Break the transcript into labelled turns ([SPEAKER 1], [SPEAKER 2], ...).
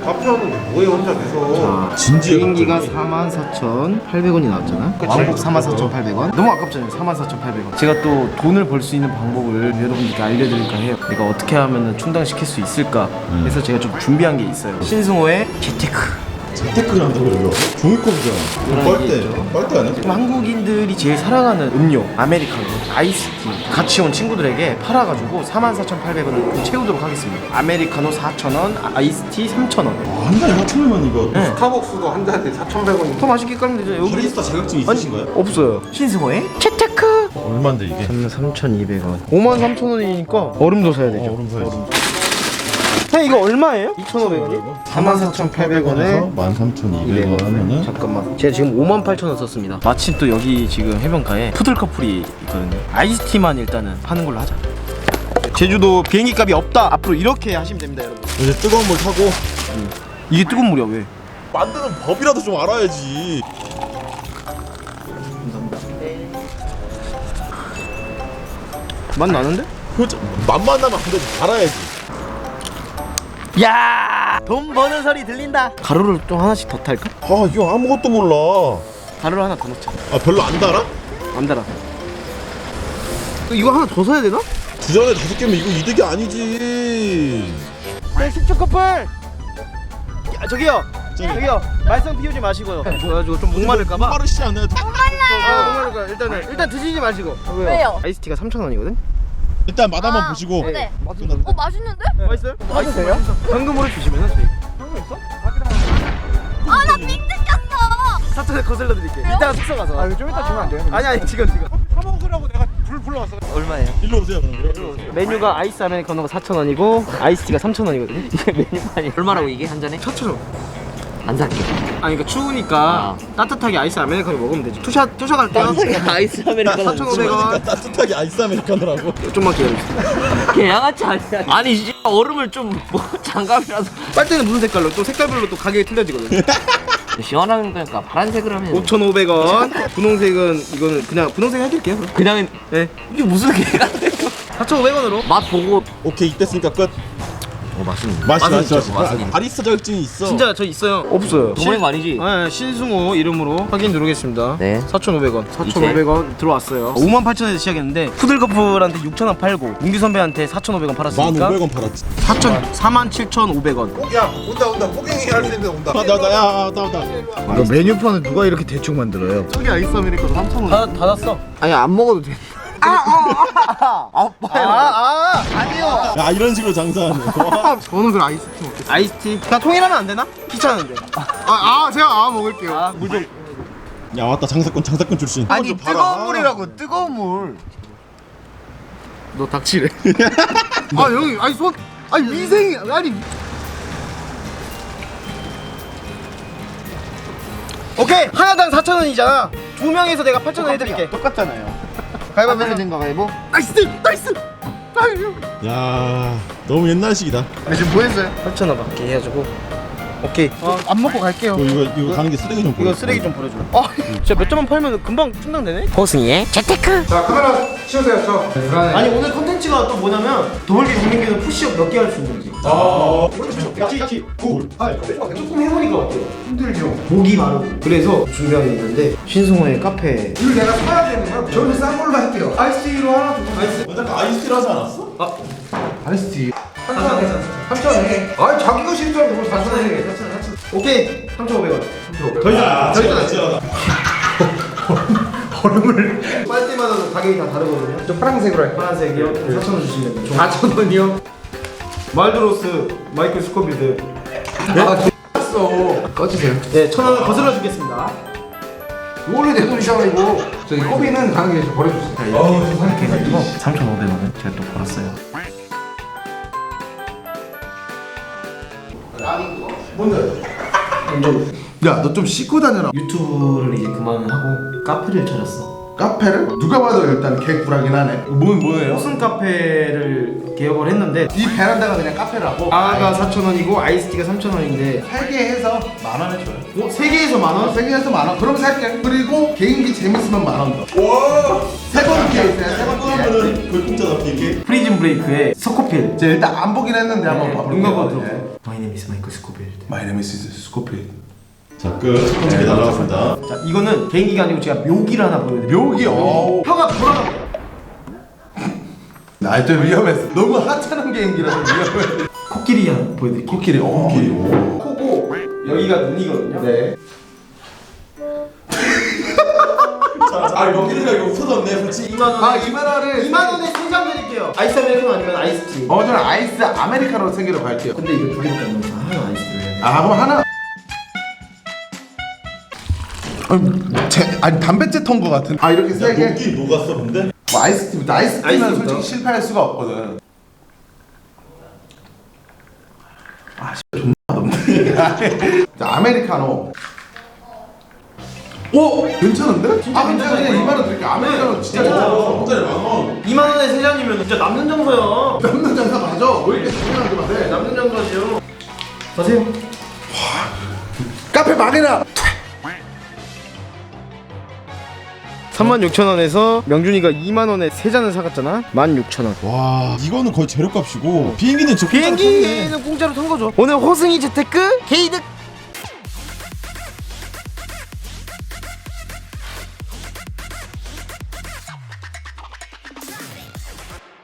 [SPEAKER 1] 카페하는데 뭐해 혼자 계속.
[SPEAKER 2] 진지해.
[SPEAKER 3] 비행기가 44,800원이 나왔잖아. 왕복 44,800원. 너무 아깝잖아요. 44,800원. 제가 또 돈을 벌 수 있는 방법을 여러분들께 알려드릴까 해요. 내가 어떻게 하면 충당시킬 수 있을까 해서 제가 좀 준비한 게 있어요. 신승호의 재테크.
[SPEAKER 2] 재테크를 한다고 이거? 종이컵이잖아. 빨대 아니야?
[SPEAKER 3] 지금 한국인들이 제일 사랑하는 음료 아메리카노, 아이스티 같이 온 친구들에게 팔아가지고 44,800원을 채우도록 하겠습니다. 아메리카노 4,000원, 아이스티 3,000원.
[SPEAKER 2] 한 잔에 4,000원만 이거.
[SPEAKER 3] 네.
[SPEAKER 1] 스타벅스도 한 잔에 4,100원인데.
[SPEAKER 3] 더 맛있게 깔면 되죠. 여기
[SPEAKER 2] 바리스타 자격증 있으신가요?
[SPEAKER 3] 없어요. 신승호의 재테크.
[SPEAKER 2] 얼마인데 이게?
[SPEAKER 3] 33,200원. 53,000원이니까 얼음도 사야 되죠.
[SPEAKER 2] 얼음 사야지.
[SPEAKER 3] 형 이거 얼마예요? 2,500원이? 44,800원에
[SPEAKER 2] 13,200원 하면은
[SPEAKER 3] 잠깐만 제가 지금 58,000원 썼습니다. 마침 또 여기 지금 해변가에 푸들커플이 있거든요. 아이스티만 일단은 파는 걸로 하자. 제주도 비행기 값이 없다. 앞으로 이렇게 하시면 됩니다 여러분.
[SPEAKER 2] 이제 뜨거운 물 타고
[SPEAKER 3] 이게 뜨거운 물이야 왜?
[SPEAKER 2] 만드는 법이라도 좀 알아야지.
[SPEAKER 3] 맛 나는데?
[SPEAKER 2] 그렇죠. 맛만 나면 안 되지. 알아야지.
[SPEAKER 3] 야, 돈 버는 소리 들린다. 가루를 좀 하나씩 더 탈까?
[SPEAKER 2] 아 이거 아무것도 몰라.
[SPEAKER 3] 가루를 하나 더 넣자.
[SPEAKER 2] 아 별로 안 달아?
[SPEAKER 3] 안 달아. 이거 하나 더 사야 되나?
[SPEAKER 2] 두 잔에 5개면 이거 이득이 아니지.
[SPEAKER 3] 네, 10초 커플. 야, 저기요. 저기요. 말썽 피우지 마시고요. 그래가지고 좀 목마를까봐.
[SPEAKER 2] 목마르시지 않아요?
[SPEAKER 3] 목마를까. 일단 드시지 마시고.
[SPEAKER 4] 왜요?
[SPEAKER 3] 아이스티가 3,000원이거든.
[SPEAKER 2] 일단 맛 한번 보시고.
[SPEAKER 4] 네.
[SPEAKER 2] 끝났다.
[SPEAKER 4] 맛있는데?
[SPEAKER 3] 맛있어요? 맛있어요? 현금으로 주시면은 저희. 현금 있어?
[SPEAKER 4] 아, 나 삥 뜯겼어.
[SPEAKER 3] 사천에 거슬러 드릴게. 이따가 숙소 가서. 아, 좀 이따 주면 안 돼요? 아니 지금.
[SPEAKER 1] 사 먹으라고 내가 불러왔어.
[SPEAKER 3] 얼마예요?
[SPEAKER 2] 일로 오세요. 그럼. 일로 오세요.
[SPEAKER 3] 메뉴가 아이스 아메리카노가 4,000원이고 아이스티가 3,000원이거든요. 이게 메뉴판이
[SPEAKER 5] 얼마라고 이게 한 잔에?
[SPEAKER 3] 4,000원.
[SPEAKER 5] 안 살게.
[SPEAKER 3] 아니 그러니까 추우니까 따뜻하게 아이스 아메리카노 먹으면 되지. 투샷 갈 때요?
[SPEAKER 5] 아이스 아메리카노
[SPEAKER 3] 4,500원.
[SPEAKER 2] 따뜻하게 아이스 아메리카노라고.
[SPEAKER 3] 좀만 기다려주세요.
[SPEAKER 5] 걔 양아치 아니야. 아니 이 얼음을 좀 뭐 장갑이라도
[SPEAKER 3] 빨대는 무슨 색깔로? 또 색깔별로 또 가격이 틀려지거든요.
[SPEAKER 5] 시원한 거니까 파란색으로 하면
[SPEAKER 3] 5,500원. 분홍색은 이거는 그냥 분홍색 해드릴게요. 그럼.
[SPEAKER 5] 그냥
[SPEAKER 3] 네.
[SPEAKER 5] 이게 무슨 개가 돼요?
[SPEAKER 3] 4,500원으로.
[SPEAKER 5] 맛 보고
[SPEAKER 2] 오케이 이때으니까 끝.
[SPEAKER 5] 맛있는
[SPEAKER 2] 맛있어. 바리스타 자격증이 있어.
[SPEAKER 3] 진짜 저 있어요. 없어요.
[SPEAKER 5] 도모낸 거 아니지?
[SPEAKER 3] 네, 신승호 이름으로 확인 누르겠습니다.
[SPEAKER 5] 네.
[SPEAKER 3] 4,500원. 4,500원 들어왔어요. 58,000원에서 시작했는데 푸들커플한테 6,000원 팔고 문규 선배한테 4,500원 팔았으니까
[SPEAKER 2] 1,500원 팔았지.
[SPEAKER 3] 47,500원.
[SPEAKER 1] 야 온다. 포갱이 할 수 있는데 온다.
[SPEAKER 2] 나온다.
[SPEAKER 6] 이거 메뉴판을 누가 이렇게 대충 만들어요?
[SPEAKER 1] 저기 아이스 아메리카노 3,000원.
[SPEAKER 3] 닫았어.
[SPEAKER 6] 아니 안 먹어도 돼.
[SPEAKER 3] 아니요.
[SPEAKER 2] 야 이런 식으로 장사하네.
[SPEAKER 1] 저는 그 아이스티 먹겠습니다.
[SPEAKER 3] 아이스티. 다 통일하면 안 되나? 귀찮은데.
[SPEAKER 1] 제가 먹을게요.
[SPEAKER 3] 물 좀.
[SPEAKER 2] 야 왔다 장사꾼 출신.
[SPEAKER 6] 아니 뜨거운 물이라고 뜨거운 물.
[SPEAKER 1] 너 닥치래. 형이 아니 미생이 아니.
[SPEAKER 3] 오케이. 하나당 4,000원이잖아. 두 명에서 내가 8,000원 해드릴게.
[SPEAKER 6] 똑같잖아요. 가위바위보 된가 가위바위보?
[SPEAKER 1] 나이스. 아유.
[SPEAKER 2] 야 너무 옛날식이다.
[SPEAKER 1] 지금 뭐 했어요?
[SPEAKER 3] 8,000원 받게 해가지고. 오케이.
[SPEAKER 1] 안 먹고 갈게요.
[SPEAKER 2] 이거 가는 게 쓰레기 좀
[SPEAKER 3] 이거
[SPEAKER 2] 보여.
[SPEAKER 3] 쓰레기 좀 버려줘. 진짜 몇 점만 팔면 금방 충당되네.
[SPEAKER 5] 호승이의 재테크.
[SPEAKER 1] 자 카메라 치우세요. 저.
[SPEAKER 3] 아니 오늘 컨텐츠가 또 뭐냐면 도벌기 국민기는 푸시업 몇 개 할 수 있는지.
[SPEAKER 1] 그렇지.
[SPEAKER 3] 조금 해보니까 어때요?
[SPEAKER 1] 힘들죠.
[SPEAKER 3] 목이 마르고. 그래서 준비한 게 있는데 신승호의 카페.
[SPEAKER 1] 이걸 내가 사야 되는 거야? 저는 싼 걸로 할게요. 아이스티로 하나 더.
[SPEAKER 2] 아까 아이스티를 하지 않았어?
[SPEAKER 1] 아이스티. 3,000원. 아니 자기가 싫다고 그걸 4,000원.
[SPEAKER 3] 오케이 3,500원.
[SPEAKER 1] 더 이상
[SPEAKER 2] 진짜.
[SPEAKER 1] 얼음을
[SPEAKER 3] 빨대마다 가격이 다 다르거든요.
[SPEAKER 1] 저 파란색으로 할게요.
[SPEAKER 3] 파란색이요. 4,000원 주시면 됩니다.
[SPEAKER 1] 4,000원이요?
[SPEAKER 3] 말드로스 마이클 스코빌드.
[SPEAKER 1] 어 꺼주세요.
[SPEAKER 3] 네 1,000원 거슬러 주겠습니다.
[SPEAKER 1] 원래 내 돈이잖아 이거. 저기 꼬비는 가는 길에서 버려주세요.
[SPEAKER 3] 이렇게 해가지고 3,500원은 제가 또 벌었어요.
[SPEAKER 1] 야 너 좀 씻고 다녀라.
[SPEAKER 3] 유튜브를 이제 그만하고 카페를 차렸어.
[SPEAKER 7] 카페를? 누가 봐도 일단 개꿀하긴 하네. 뭐예요?
[SPEAKER 3] 호슨 카페를 개업을 했는데
[SPEAKER 7] 이 베란다가 그냥 카페라고?
[SPEAKER 3] 아가 4,000원이고 아이스티가 3,000원인데
[SPEAKER 7] 3개 해서 10,000원에 줘요.
[SPEAKER 3] 3개에서 만원?
[SPEAKER 7] 3개 해서 10,000원. 그럼 살게. 그리고 개인기 재밌으면 10,000원 더. 와! 세 번째 있어요. 세 번째.
[SPEAKER 2] 하면은 거의 공짜다 비행기.
[SPEAKER 3] 프리즌 브레이크의 서코필
[SPEAKER 7] 제가 일단 안 보긴 했는데 한번 봐볼게요.
[SPEAKER 3] 눈 감고 들어.
[SPEAKER 7] 네.
[SPEAKER 3] My name is Michael Scofield.
[SPEAKER 7] My name is Scofield.
[SPEAKER 2] 자, 첫 번째 게 날아갔습니다.
[SPEAKER 3] 자, 이거는 개인기가 아니고 제가 묘기를 하나 보여드릴게요.
[SPEAKER 7] 묘기.
[SPEAKER 3] 혀가 돌아갑니다.
[SPEAKER 7] 나 좀 위험했어. 너무 하찮은 개인기라서 위험해.
[SPEAKER 3] 코끼리 하나 보여드릴게요.
[SPEAKER 7] 코끼리. 코끼리.
[SPEAKER 3] 코고 여기가 눈이거든요.
[SPEAKER 7] 네.
[SPEAKER 2] 자, 여기가 이거 터졌네, 솔직히.
[SPEAKER 3] 2만 원.
[SPEAKER 7] 2만원을
[SPEAKER 3] 2만 원에 3잔 드릴게요. 아이스 아메리카노 아니면 아이스티.
[SPEAKER 7] 저는 아이스 아메리카노 3개로 갈게요.
[SPEAKER 3] 근데 이거 두 개밖에 안 남았어. 하나 아이스티를 해야 돼.
[SPEAKER 7] 그럼 하나. 아니 담배째 턴 거 같은. 이렇게 세 개.
[SPEAKER 2] 녹긴 녹았어, 근데?
[SPEAKER 7] 뭐 아이스티부터. 아이스티는
[SPEAKER 3] 아이스티부터?
[SPEAKER 7] 솔직히 실패할 수가 없거든. 존나 맛없네. 자, 아메리카노. 오! 괜찮은데?
[SPEAKER 3] 진짜
[SPEAKER 7] 괜찮아. 그냥
[SPEAKER 3] 괜찮아요.
[SPEAKER 7] 2만원 드릴게. 아메리카노 진짜
[SPEAKER 3] 진짜
[SPEAKER 7] 괜찮아.
[SPEAKER 2] 한 달에 10,000원.
[SPEAKER 3] 2만 원에 3잔이면 진짜 남는 정서야.
[SPEAKER 7] 남는 장사 맞아. 왜 이렇게 중요한 거
[SPEAKER 3] 네,
[SPEAKER 7] 같아?
[SPEAKER 3] 남는 정서죠. 가세요.
[SPEAKER 7] 카페 망해라!
[SPEAKER 3] 36,000원에서 명준이가 2만 원에 3잔을 사갔잖아. 16,000원.
[SPEAKER 2] 와, 이거는 거의 재료값이고 비행기는 저
[SPEAKER 3] 비행기는 공짜로 탄 거죠. 오늘 호승이 재테크 게이득